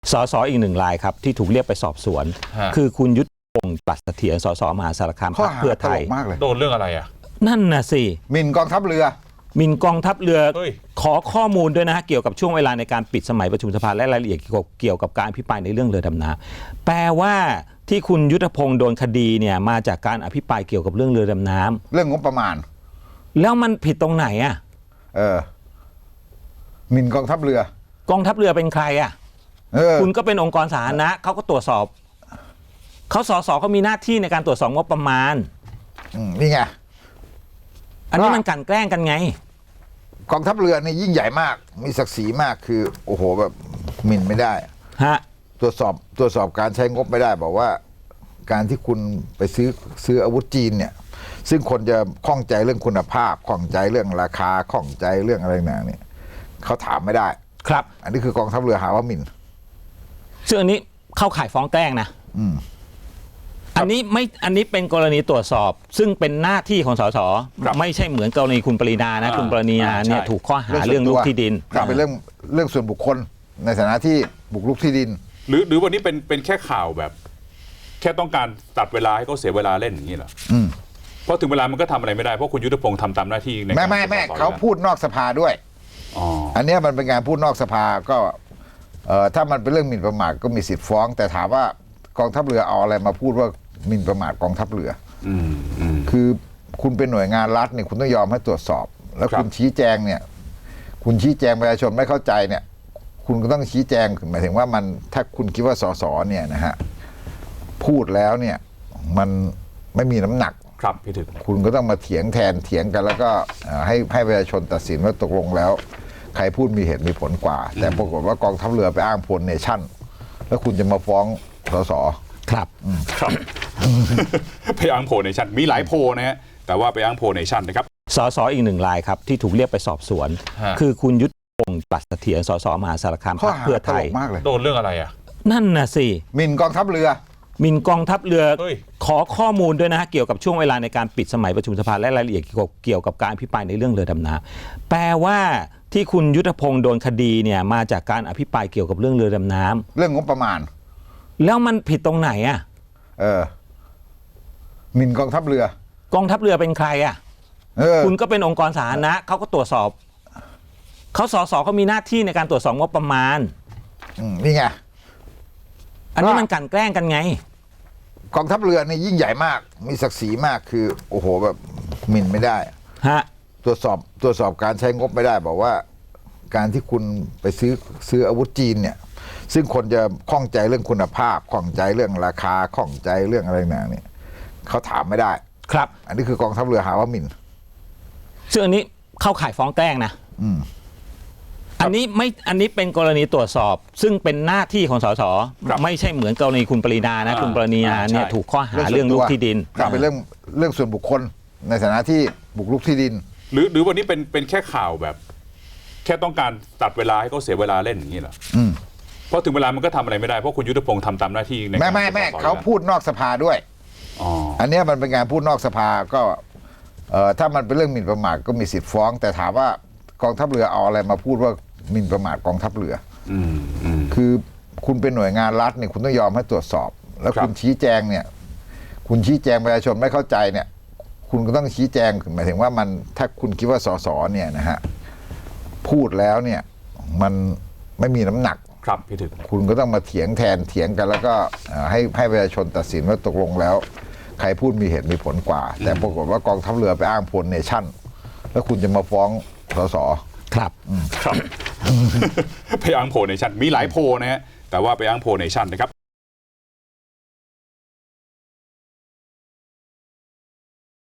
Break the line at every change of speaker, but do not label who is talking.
สสอีกหนึ่งรายครับที่ถูกเรียกไปสอบสวนคือคุณยุทธพงศ์ปัตเสถียรสสมหาสารคามพรรคเพื่อไทย
โดนเรื่องอะไรอ่ะ
นั่นน่ะสิ
หมิ่นกองทัพเรือ
หมิ่นกองทัพเรือขอข้อมูลด้วยนะฮะเกี่ยวกับช่วงเวลาในการปิดสมัยประชุมสภาและรายละเอียดเกี่ยวกับการอภิปรายในเรื่องเรือดำน้ำแปลว่าที่คุณยุทธพงศ์โดนคดีเนี่ยมาจากการอภิปรายเกี่ยวกับเรื่องเรือดำน้ำ
เรื่องงบประมาณ
แล้วมันผิดตรงไหนอ่ะ
หมิ่นกองทัพเรือก
องทัพเรือเป็นใครอ่ะคุณก็เป็นองค์กรสาธารณะเขาก็ตรวจสอบเขาสสเขามีหน้าที่ในการตรวจสอบงบประมาณ
นี่ไง
อันนี้มันกลั่นแกล้งกันไง
กองทัพเรือนี่ยิ่งใหญ่มากมีศักดิ์ศรีมากคือโอ้โหแบบหมิ่นไม่ได้
ฮะ
ตรวจสอบการใช้งบไม่ได้บอกว่าการที่คุณไปซื้ออาวุธจีนเนี่ยซึ่งคนจะข้องใจเรื่องคุณภาพข้องใจเรื่องราคาข้องใจเรื่องอะไรต่างๆเนี่ยเขาถามไม่ได้
ครับ
อันนี้คือกองทัพเรือหาว่าหมิ่น
ซึ่งอันนี้เข้าข่ายฟ้องแกล้งนะอันนี้เป็นกรณีตรวจสอบซึ่งเป็นหน้าที่ของสสไม่ใช่เหมือนกรณีคุณปรินานะคุณปรินาเนี่ยถูกข้อหาเรื่องลุกที่ดิน
เป็นเรื่องส่วนบุคคลในฐานะที่บุกรุกที่ดิน
หรือวันนี้เป็นแค่ข่าวแบบแค่ต้องการตัดเวลาให้เขาเสียเวลาเล่นอย่างนี้เหรอเพราะถึงเวลามันก็ทำอะไรไม่ได้เพราะคุณยุทธพงศ์ทำตามหน้าที่ใน
ไม่เขาพูดนอกสภาด้วยอันนี้มันเป็นการพูดนอกสภาก็ถ้ามันเป็นเรื่องหมิ่นประมาทก็มีสิทธิ์ฟ้องแต่ถามว่ากองทัพเรือเอาอะไรมาพูดว่าหมิ่นประมาทกองทัพเรือคือคุณเป็นหน่วยงานรัฐเนี่ยคุณต้องยอมให้ตรวจสอบแล้วคุณชี้แจงเนี่ยคุณชี้แจงประชาชนไม่เข้าใจเนี่ยคุณก็ต้องชี้แจงหมายถึงว่ามันถ้าคุณคิดว่าสสเนี่ยนะฮะพูดแล้วเนี่ยมันไม่มีน้ำหนัก
ครับพี่ถึง
คุณก็ต้องมาเถียงกันแล้วก็ให้ประชาชนตัดสินว่าตกลงแล้วใครพูดมีเหตุมีผลกว่าแต่ปรากฏว่ากองทัพเรือไปอ้างพลเนชั่นแล้วคุณจะมาฟ้องสส
ครับ
ไปอ้างโพลเนชั่นมีหลายโพลนะฮะแต่ว่าไปอ้างโพลเนชั่นนะครับ
สสอีกหนึ่งรายครับที่ถูกเรียกไปสอบสวนคือคุณยุทธพงศ์ปัตเสถียรสสมหาสารคามพรรคเพื่อไทย
โดนเรื่องอะไรอ่ะ
นั่นน่ะสิ
หมิ่นกองทัพเรือ
หมิ่นกองทัพเรือขอข้อมูลด้วยนะฮะเกี่ยวกับช่วงเวลาในการปิดสมัยประชุมสภาและรายละเอียดเกี่ยวกับการอภิปรายในเรื่องเรือดำน้ำแปลว่าที่คุณยุทธพงศ์โดนคดีเนี่ยมาจากการอภิปรายเกี่ยวกับเรื่องเรือดำน้ำ
เรื่องงบประมาณ
แล้วมันผิดตรงไหนอ่ะ
หมิ่นกองทัพเรื
อกองทัพเรือเป็นใครอ่ะคุณก็เป็นองค์กรสาธารณะเขาก็ตรวจสอบเขาสสเขามีหน้าที่ในการตรวจสอบงบประมาณ
นี่ไง
อันนี้มันกลั่นแกล้งกันไง
กองทัพเรือนี่ยิ่งใหญ่มากมีศักดิ์ศรีมากคือโอ้โหแบบหมิ่นไม่ได้
ฮะ
ตรวจสอบการใช้งบไม่ได้บอกว่าการที่คุณไปซื้ออาวุธจีนเนี่ยซึ่งคนจะข้องใจเรื่องคุณภาพข้องใจเรื่องราคาข้องใจเรื่องอะไรต่างๆเนี่ยเขาถามไม่ได้
ครับ
อันนี้คือกองทัพเรือหาว่าหมิ่น
ซึ่งอันนี้เข้าข่ายฟ้องแกล้งนะอันนี้เป็นกรณีตรวจสอบซึ่งเป็นหน้าที่ของสสไม่ใช่เหมือนกรณีคุณปรินานะคุณปรินาเนี่ยถูกข้อหาเรื่องลุกที่ดิน
เป็นเรื่องส่วนบุคคลในฐานะที่บุกรุกที่ดิน
หรือวันนี้เป็นแค่ข่าวแบบแค่ต้องการตัดเวลาให้เขาเสียเวลาเล่นอย่างนี้เหรอเพราะถึงเวลามันก็ทำอะไรไม่ได้เพราะคุณยุทธพงศ์ทำตามหน้าที่ใน
ไม่เขาพูดนอกสภาด้วยอันนี้มันเป็นการพูดนอกสภาก็ถ้ามันเป็นเรื่องหมิ่นประมาทก็มีสิทธิ์ฟ้องแต่ถามว่ากองทัพเรือเอาอะไรมาพูดว่าหมิ่นประมาทกองทัพเรือคือคุณเป็นหน่วยงานรัฐเนี่ยคุณต้องยอมให้ตรวจสอบแล้วคุณชี้แจงเนี่ยคุณชี้แจงประชาชนไม่เข้าใจเนี่ยคุณก็ต้องชี้แจงหมายถึงว่ามันถ้าคุณคิดว่าสสเนี่ยนะฮะพูดแล้วเนี่ยมันไม่มีน้ำหนัก
ครับพี่ถึง
คุณก็ต้องมาเถียงกันแล้วก็ให้ประชาชนตัดสินว่าตกลงแล้วใครพูดมีเหตุมีผลกว่าแต่ปรากฏว่ากองทัพเรือไปอ้างพลเนชั่นแล้วคุณจะมาฟ้องสส
ครับ
ไปอ้างโพลเนชั่นมีหลายโพลนะฮะแต่ว่าไปอ้างโพลเนชั่นนะครับ